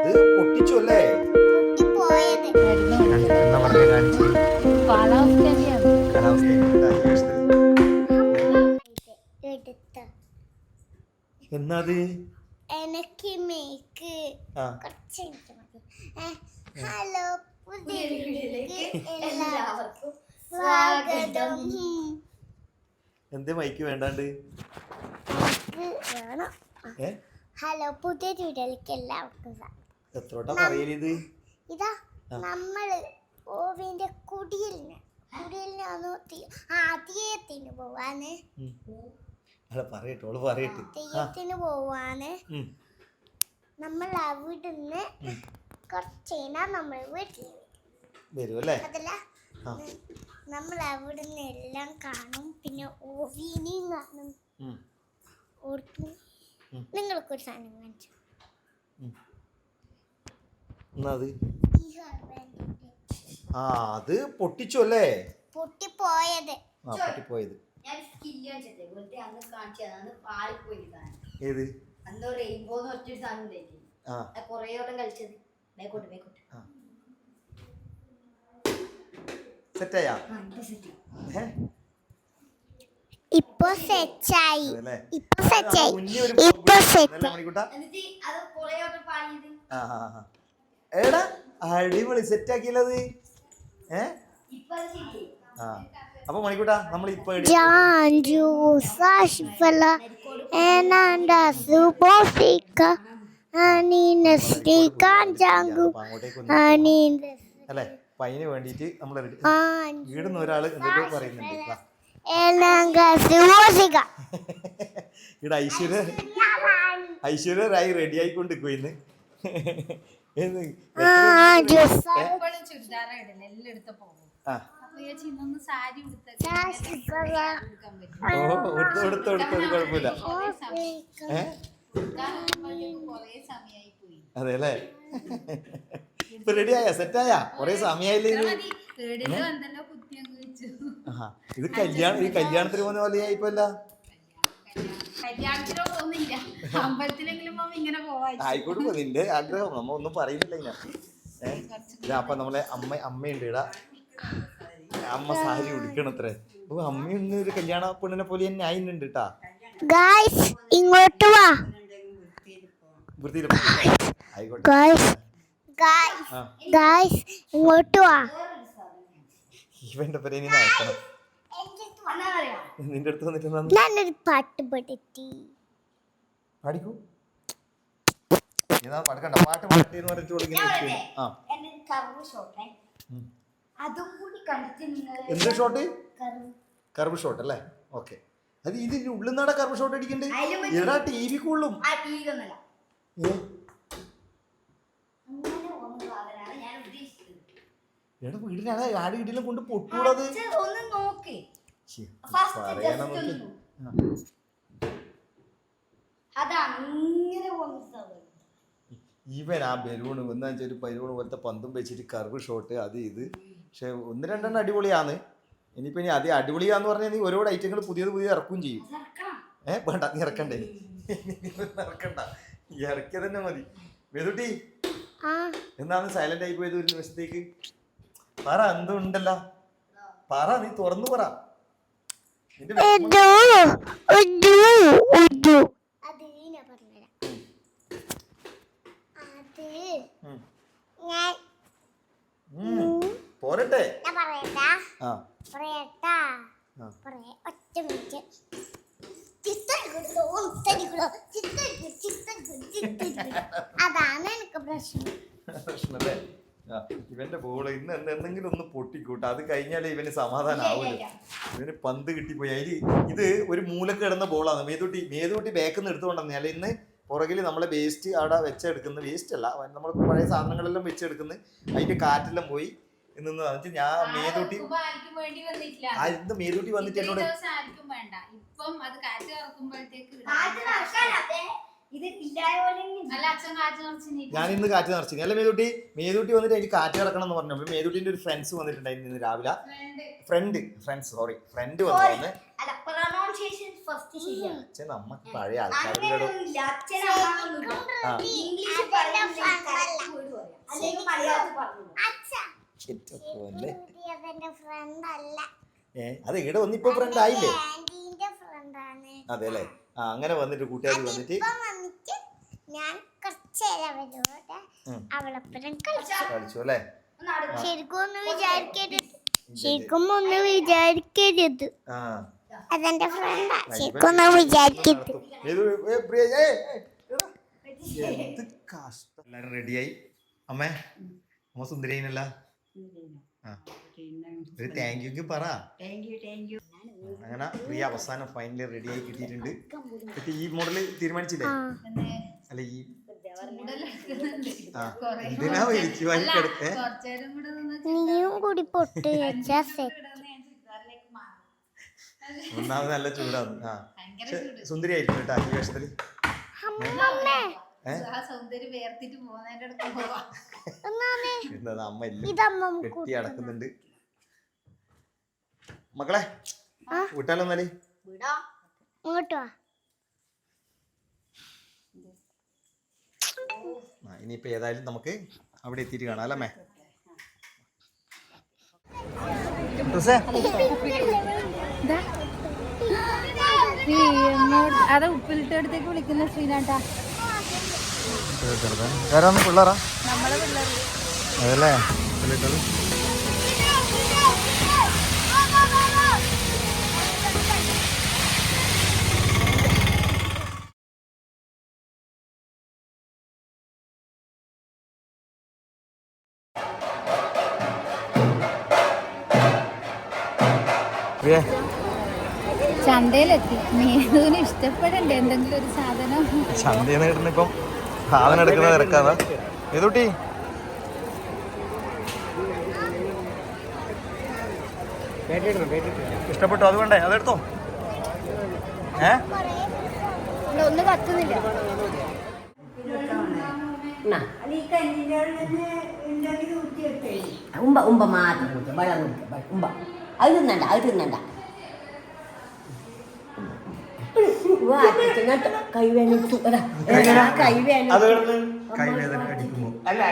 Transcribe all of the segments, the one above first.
അത് പൊട്ടിച്ചു അല്ലേ? എന്നാ പറഞ്ഞ കാണിച്ചു എന്നാത് എനിക്ക് മേക്ക് ഹലോ പുതിയ വീഡിയോയിലേക്ക് എല്ലാവർക്കും സ്വാഗതം. എന്തേ മൈക്ക് വേണ്ടാണ്ട്? ഹലോ പുതിയ വീഡിയോയിലേക്ക് എല്ലാവർക്കും സ്വാഗതം. എത്രോട്ടാ പറയലിത്? ഇതാ നമ്മള് ഓവിന്റെ കുടിയലിന് ആദ്യത്തിന് പോവാന് തെയ്യത്തിന് പോവാന്. നമ്മൾ അവിടുന്ന് കുറച്ചേനാ നമ്മൾ വീട്ടിൽ വരും അല്ലേ? അതല്ല നമ്മൾ അവിടുന്ന് എല്ലാം കാണും, പിന്നെ ഓവിനെയും കാണും. നിങ്ങൾക്കൊരു സാധനം കാണിച്ചു. അത് പൊട്ടിച്ചു അല്ലേ? പൊട്ടിപ്പോയത്. പൊട്ടിപ്പോയത് ഏത്? സെറ്റായാ? ഇപ്പൊ സെറ്റായി. എടാ അടിപൊളി സെറ്റാക്കിയത്. അപ്പൊ മണിക്കൂട്ടാ നമ്മൾ ഇപ്പൊ അല്ലെ പയ്യന് വേണ്ടിട്ട് നമ്മൾ വീടുന്ന ഒരാള് എന്തൊക്കെ പറയുന്നുണ്ട്. ഇവിടെ ഐശ്വര്യ റായി റെഡി ആയിക്കൊണ്ടിരിക്കുന്ന്. കുഴപ്പമില്ല. അതെ അല്ലേ? ഇപ്പൊ റെഡിയായ സെറ്റായാ? കൊറേ സമയായില്ലേ ഇത്? കല്യാണത്തിന് പോകുന്ന പോലെ ആയിപ്പോല്ല. ആയിക്കോട്ടെ, നിന്റെ ആഗ്രഹം നമ്മ ഒന്നും പറയുന്നില്ല. ഇങ്ങനെ അപ്പൊ നമ്മളെ അമ്മയുണ്ട് ഇടാ. അമ്മ സാരി ഉടുക്കണത്രേ. അപ്പൊ അമ്മയൊന്നും ഒരു കല്യാണ പെണ്ണിനെ പോലെ തന്നെ ആയിട്ടുണ്ട് കേട്ടാ. ഇങ്ങോട്ട് വാ. ഇങ്ങോട്ട് വാ. ഇവന്റെ പേരെ നീ നടക്കണം. നിന്റെ അടുത്ത് വന്നിട്ട് ഞാനൊരു പാട്ട് പാടിക്കൂ. പഠിക്കണ്ട പാട്ട് പാട്ടിന്ന് പറഞ്ഞിട്ട് എന്ത് ഷോട്ട്? കർവ് ഷോട്ട് അല്ലേ? ഓക്കെ. അത് ഇതിന്റെ ഉള്ളിൽ നിന്നാണ് കർവ് ഷോട്ട് അടിക്കണ്ടേ? എടാ ടി വി കൊള്ളും. എടാ വീടിനാണ് ആട് വീട്ടിലും കൊണ്ട് പൊട്ടൂടത്. ഇവൻ ആ ബലൂണ് എന്താ വെച്ചാൽ ഒരു ബലൂണ് പോലത്തെ പന്തും വെച്ചിട്ട് കർവ് ഷോട്ട് അത് ഇത്. പക്ഷെ ഒന്ന് രണ്ടെണ്ണം അടിപൊളിയാണ്. ഇനിയിപ്പോ ഇനി അത് അടിപൊളിയാന്ന് പറഞ്ഞാൽ നീ ഒരുപാട് ഐറ്റങ്ങൾ പുതിയത് ഇറക്കുകയും ചെയ്യും. വേണ്ട, നീ ഇറക്കണ്ടേ? ഇറക്കണ്ട, ഇറക്കിയ തന്നെ മതി. വേദുട്ടി എന്താണ് സൈലന്റ് ആയി പോയത് ഒരു നിമിഷത്തേക്ക്? പറ, എന്തുണ്ടല്ലോ പറ, നീ തുറന്നു പറ. പോരട്ടെ? അതാണ് എനിക്ക് പ്രശ്നല്ലേ? ഇവന്റെ ബോള് ഇന്ന് എന്തെങ്കിലും ഒന്ന് പൊട്ടിക്കൂട്ട. അത് കഴിഞ്ഞാലേ ഇവന് സമാധാനം ആവില്ല. ഇവന് പന്ത് കിട്ടിപ്പോയി. അതില് ഇത് ഒരു മൂലക്ക് കിടന്ന ബോളാണ്. മേതൂട്ടി ബാക്കിൽ എടുത്തുകൊണ്ടെന്ന് അല്ല ഇന്ന് പുറകിൽ നമ്മളെ വേസ്റ്റ് അവിടെ വെച്ചെടുക്കുന്ന വേസ്റ്റ് അല്ല, നമ്മൾ പഴയ സാധനങ്ങളെല്ലാം വെച്ചെടുക്കുന്നു. അതിന്റെ കാറ്റെല്ലാം പോയി നിന്ന് എന്നിട്ട് ഞാൻ മേതൂട്ടി വന്നിട്ട് എന്നോട് ഞാൻ ഇന്ന് കാറ്റ് നിറച്ചു. അല്ല മേതൂട്ടി വന്നിട്ട് എനിക്ക് കാറ്റ് കിടക്കണം എന്ന് പറഞ്ഞു. മേതൂട്ടിന്റെ ഒരു ഫ്രണ്ട്സ് വന്നിട്ടുണ്ടായിരുന്നു ഇന്ന് രാവിലെ. ഫ്രണ്ട് വന്നു. നമ്മക്ക് പഴയ ആൾക്കാരുടെ ഫ്രണ്ട് അല്ല, അത് ഇവിടെ വന്നിപ്പോ ഫ്രണ്ട് ആയില്ലേ? ആന്റീന്റെ ഫ്രണ്ടാണ്. അതെ അല്ലേ? ആ അങ്ങനെ വന്നിട്ട് കൂട്ടുകാരി വന്നിട്ട് ഇപ്പം വന്നിട്ട് ഞാൻ കുറച്ചേരം അവരോട് അവളൊപ്പം കളിച്ചു അല്ലേ? ശരിക്കും ഒന്ന് വിചാരിക്കരുത്. അതെന്റെ ഫ്രണ്ടാ, ശരിക്കും ഒന്ന് വിചാരിക്കരുത്. എല്ലാരും റെഡിയായി. അമ്മേ, അമ്മ സുന്ദരിയനല്ല? ഒരു താങ്ക് യു പറ. അങ്ങനെ പ്രിയ അവസാനം ഫൈനലി റെഡിയായി കിട്ടിയിട്ടുണ്ട്. ഈ മോഡല് തീരുമാനിച്ചില്ലേ? അല്ല ഈ എന്തിനാ വലിച്ചു വാരി കിടക്കേ? നീയും കൂടി പൊട്ട് വെച്ചാ ഒന്നാമത് നല്ല ചൂടാണ്. സുന്ദരി ആയിരിക്കും കേട്ടോ ഈ വേഷത്തില്. അമ്മ എല്ലാം കെട്ടി അടക്കുന്നുണ്ട്. മക്കളെ വിട്ടാലോ എന്നാല്? ഇനിയിപ്പോ ഏതായാലും നമുക്ക് അവിടെ എത്തിയിട്ട് കാണാം അല്ലേ? അത് ഉപ്പിലിട്ടടുത്തേക്ക് വിളിക്കുന്ന ശ്രീനാട്ടാ. പിള്ളേരാ നമ്മളെ പിള്ളേർ അതല്ലേ? ചന്തയിലെത്തി. മീനൂന് ഇഷ്ടപ്പെടണ്ടേ എന്തെങ്കിലും ഒരു സാധനം? ചന്തയിൽ നിന്ന് കിട്ടുന്ന ഇപ്പം സാധനം എടുക്കുന്ന തിരക്കാതാ. ഏതൂട്ടി ഇഷ്ടപ്പെട്ടു? അത് വേണ്ടേ? അതെടുത്തോ. ഒന്നും കത്തുന്നില്ല. ഉമ്പ ഉമ്പ മാത്രം കുടിക്കുക, വെള്ളം കുടിക്കുക. ഉമ്പ അത് തിന്നണ്ട, അത് തിന്നണ്ട. കൈവേനിച്ചു കൈവേന അടിക്കുമ്പോ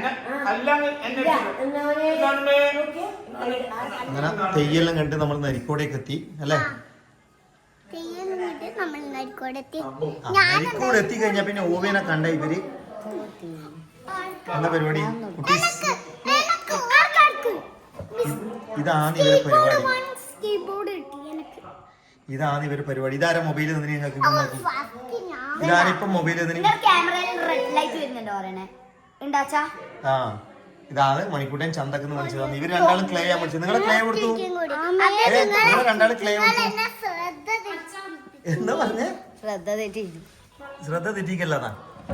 അങ്ങനെ തെയ്യെല്ലാം കണ്ട് നമ്മൾ നരിക്കോടേക്ക് എത്തി അല്ലേ? നരിക്കോട് എത്തി കഴിഞ്ഞാ പിന്നെ ഓവേനെ കണ്ട ഇവര് എന്താ പരിപാടി? ഇതാണ് ഇവരെ പരിപാടി. ഇതാണ് ഇവര് പരിപാടി. ഇതാരാ മൊബൈൽ തന്നെ നിങ്ങൾക്ക്? ഇതാരിപ്പൊ മൊബൈൽ ആ ഇതാണ് മണിക്കൂട്ടൻ ചന്തക്കെന്ന് വിളിച്ചതാണ്. ഇവര് രണ്ടാളും ക്ലേ ചെയ്യാൻ വിളിച്ചത്. നിങ്ങളെ ക്ലേ കൊടുത്തു? നിങ്ങൾ രണ്ടാളും ക്ലേ കൊടുത്തു എന്താ പറഞ്ഞേ? ശ്രദ്ധ തെറ്റിക്കല്ലാതാ.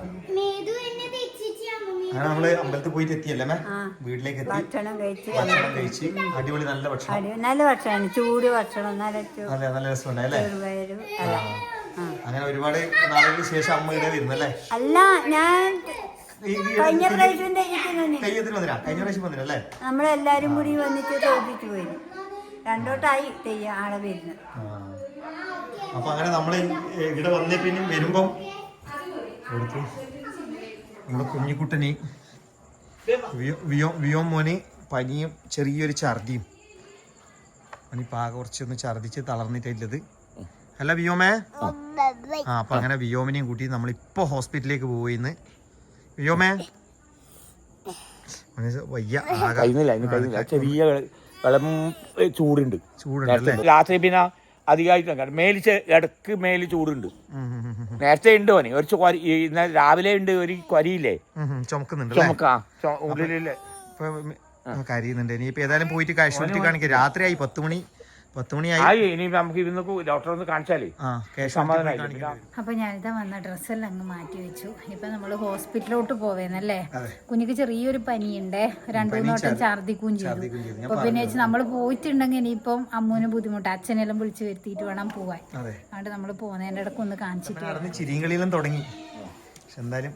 അങ്ങനെ നമ്മള് അമ്പലത്തിൽ പോയിട്ട് എത്തിയല്ലേ? വീട്ടിലേക്ക് എത്തി, ഭക്ഷണം കഴിച്ച് അടിപൊളി നല്ല ഭക്ഷണം. നല്ല ഭക്ഷണം, ചൂട് ഭക്ഷണം. അതെ, നല്ല രസമുണ്ടായി അല്ലേ? അങ്ങനെ ഒരുപാട് നാളുകൾക്ക് ശേഷം അമ്മ ഇവിടെ വരുന്നല്ലേ? അല്ല, ഞാൻ കഴിഞ്ഞ പ്രാവശ്യം തെയ്യത്തിന് വന്നില്ല. കഴിഞ്ഞ പ്രാവശ്യം വന്നില്ലല്ലേ? നമ്മളെല്ലാരും കൂടി വന്നിട്ട് തോന്നിട്ട് പോയി. രണ്ടോട്ടായി തെയ്യം ആളെ വരുന്നത്. അപ്പൊ അങ്ങനെ നമ്മള് ഇവിടെ വന്നേ പിന്നെ വരുമ്പം നമ്മുടെ കുഞ്ഞിക്കുട്ടന് വിയോ മോന് പനിയും ചെറിയൊരു ഛർദിയും. അവനിപ്പോ ആകെ കുറച്ചൊന്ന് ഛർദിച്ച് തളർന്നിട്ടുള്ളത് അല്ല വിയോമേ? അപ്പൊ അങ്ങനെ വിയോമിനെയും കൂട്ടി നമ്മളിപ്പോ ഹോസ്പിറ്റലിലേക്ക് പോയിന്ന്. വിയോമേ വയ്യ, ചെറിയ ചൂടുണ്ട്. രാത്രി പിന്നെ അധികമായിട്ട് മേലിച്ച് ഇടക്ക് മേല് ചൂടുണ്ട്. നേരത്തെ ഉണ്ട് ഓന് ഒരു രാവിലെ ഉണ്ട് ഒരു കൊരിയില്ലേ ചുമക്കാ ഉള്ളിലെ കരയുന്നുണ്ട്. ഇനിയിപ്പോ ഏതായാലും പോയിട്ട് കാഷ്വാലിറ്റി കാണിക്കാം. രാത്രിയായി 10 മണിയായി. ഇനി നമുക്ക് ഇന്ന് ഡോക്ടറെ ഒന്ന് കാണിച്ചാലേ സമാധാനമായി. അപ്പൊ ഞാനിതാ വന്ന ഡ്രസ്സെല്ലാം അങ്ങ് മാറ്റി വെച്ചു. ഇപ്പൊ നമ്മള് ഹോസ്പിറ്റലിലോട്ട് പോവേന്നല്ലേ? കുഞ്ഞിക്ക് ചെറിയൊരു പനിയുണ്ടേ, 2-3 വട്ടം ഛർദിക്കുകയും ചെയ്തു. അപ്പൊ പിന്നെ നമ്മള് പോയിട്ടുണ്ടെങ്കിൽ ഇനിയിപ്പം അമ്മൂന് ബുദ്ധിമുട്ട്, അച്ഛനെല്ലാം വിളിച്ചു വരുത്തിയിട്ട് വേണം പോവാൻ. അതുകൊണ്ട് നമ്മള് പോകുന്നതിന്റെ ഇടയ്ക്ക് ഒന്ന് കാണിച്ചിട്ട് ചിരികളിലും തുടങ്ങി. എന്തായാലും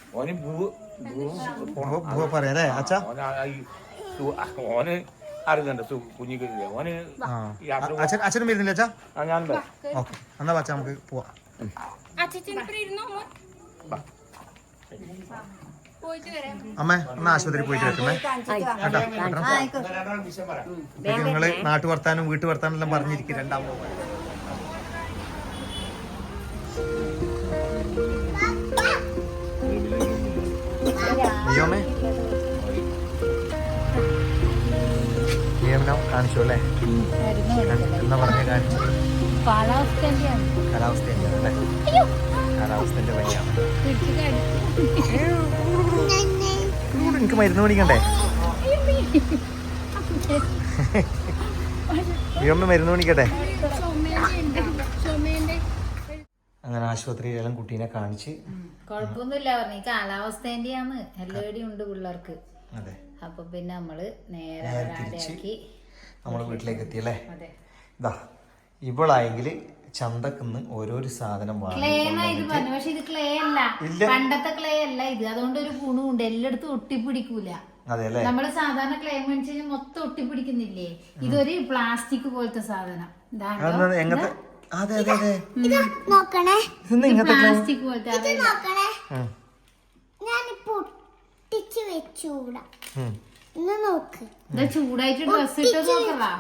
പറയാ അച്ഛാ, ഓന് അറിയുന്നുണ്ട് കുഞ്ഞിക്ക്. ഓന് അച്ഛനും വരുന്നില്ല അച്ഛാ? ഞാൻ ഓക്കെ, എന്നാ അച്ഛാ നമുക്ക് പോവാം. അമ്മ ഒന്ന് ആശുപത്രി പോയിട്ട് വെക്കണേ നിങ്ങള് നാട്ടു വർത്താനും വീട്ടു വർത്താനും എല്ലാം പറഞ്ഞിരിക്കും രണ്ടാമത് കാണിച്ചു അല്ലേ എന്നാ പറഞ്ഞ കാണിച്ചു കാലാവസ്ഥ കാലാവസ്ഥന്റെ പനിയാണ് എനിക്ക് മരുന്ന് മേടിക്കണ്ടേ അമ്മ മരുന്ന് മേടിക്കട്ടെ അങ്ങനെ ആശുപത്രിയിലെല്ലാം കുട്ടീനെ കാണിച്ച് കൊഴപ്പൊന്നുമില്ല പറഞ്ഞു ഈ കാലാവസ്ഥേന്റെയാന്ന് എല്ലാവരുടെയും ഉണ്ട് പിള്ളേർക്ക്. അതെ അപ്പൊ പിന്നെ നമ്മള് നേരെ തിരിച്ച് നമ്മള് വീട്ടിലേക്ക് എത്തിയല്ലേ. ഇതാ ഇവളായെങ്കിൽ ചന്തക്കുന്ന് ഓരോരോ സാധനം ക്ലേ ഇത് പറഞ്ഞു. പക്ഷെ ഇത് ക്ലേ അല്ല, പണ്ടത്തെ ക്ലേ അല്ല ഇത്. അതുകൊണ്ട് ഒരു ഗുണമുണ്ട്, എല്ലായിടത്തും ഒട്ടിപ്പിടിക്കൂല. നമ്മള് സാധാരണ ക്ലേ മേടിച്ചു കഴിഞ്ഞാൽ മൊത്തം ഒട്ടിപ്പിടിക്കുന്നില്ലേ, ഇതൊരു പ്ലാസ്റ്റിക് പോലത്തെ സാധനം. പ്ലാസ്റ്റിക് പോലത്തെ ചൂടായിട്ട് ഡ്രസ് ഇട്ട് നോക്കലാ.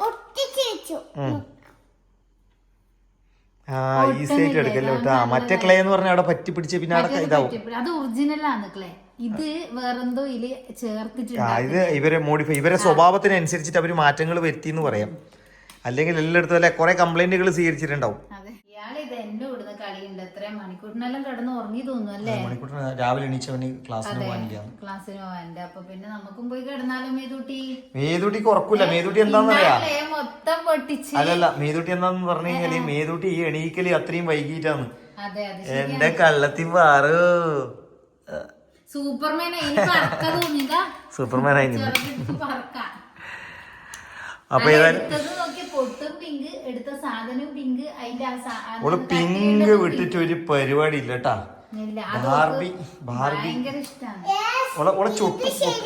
ഈസിയായിട്ട് എടുക്കല്ലോ കേട്ടോ. മറ്റേ ക്ലേ എന്ന് പറഞ്ഞാൽ അവിടെ പറ്റി പിടിച്ച് പിന്നെ അവിടെ ഇതാവും. അത് ഒറിജിനൽ ആണ് ക്ലേ, ഇത് വേറെന്തോ ഇതില് ചേർത്തിട്ടുണ്ട്. ഇത് ഇവരെ മോഡിഫൈ, ഇവരെ സ്വഭാവത്തിനനുസരിച്ചിട്ട് അവര് മാറ്റങ്ങൾ വരുത്തി എന്ന് പറയാം. അല്ലെങ്കിൽ എല്ലായിടത്തും അല്ലെ കുറെ കംപ്ലൈന്റുകൾ സ്വീകരിച്ചിട്ടുണ്ടാവും. ഇയാൾ ഇത് എന്റെ കൂടുന്ന കളിയുണ്ട്. എത്ര മണിക്കൂറിനെല്ലാം കിടന്ന് ഉറങ്ങി തോന്നുന്നു അല്ലേ? മണിക്കൂറിന് രാവിലെ എണീച്ചവന് ക്ലാസ്സിന് പോകാനുണ്ട്. അപ്പൊ പിന്നെ നമുക്കും പോയി കിടന്നാലും മേതൂട്ടിക്ക് ഉറക്കൂല. മേതൂട്ടി എന്താന്നറിയാ മൊത്തം പൊട്ടിച്ച്. അല്ലല്ല, മേതൂട്ടി എന്താന്ന് പറഞ്ഞു കഴിഞ്ഞാല് മേതൂട്ടി ഈ എണീക്കല് അത്രയും വൈകിട്ടാണ്. അതെ എന്റെ കള്ളത്തി പാറു സൂപ്പർമാനായി അപ്പൊ ഓള് പിങ്ക് വിട്ടിട്ട് ഒരു പരിപാടി ഇല്ല കേട്ടാ. ബാർബി ഓളെ ചൊട്ടു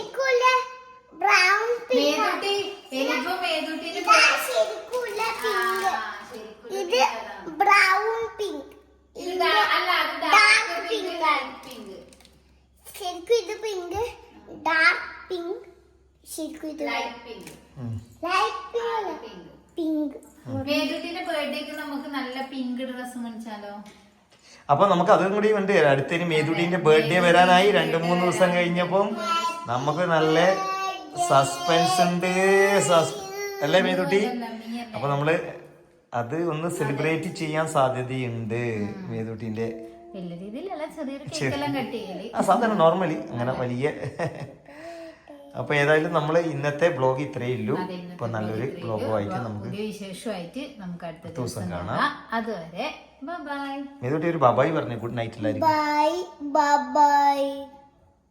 അപ്പൊ നമുക്ക് അതും കൂടി ഉണ്ട്. അടുത്തതിന് മേതുട്ടിന്റെ ബർത്ത്ഡേ വരാനായി 2-3 ദിവസം കഴിഞ്ഞപ്പം നമുക്ക് നല്ല സസ്പെൻസ് ഉണ്ട് അല്ലേ മേതുട്ടി? അപ്പൊ നമ്മള് അത് ഒന്ന് സെലിബ്രേറ്റ് ചെയ്യാൻ സാധ്യതയുണ്ട്. മേതുട്ടിന്റെ സാധാരണ നോർമലി അങ്ങനെ വലിയ. അപ്പൊ ഏതായാലും നമ്മള് ഇന്നത്തെ ബ്ലോഗ് ഇത്രയേ ഉള്ളൂ. ഇപ്പൊ നല്ലൊരു ബ്ലോഗുമായിട്ട് നമുക്ക് വിശേഷമായിട്ട് നമുക്ക് അടുത്ത ദിവസം കാണാം. അതുവരെ ബൈ. മേതുട്ടി ഒരു ബൈ പറഞ്ഞു. ഗുഡ് നൈറ്റ് എല്ലാവരും. Bye by.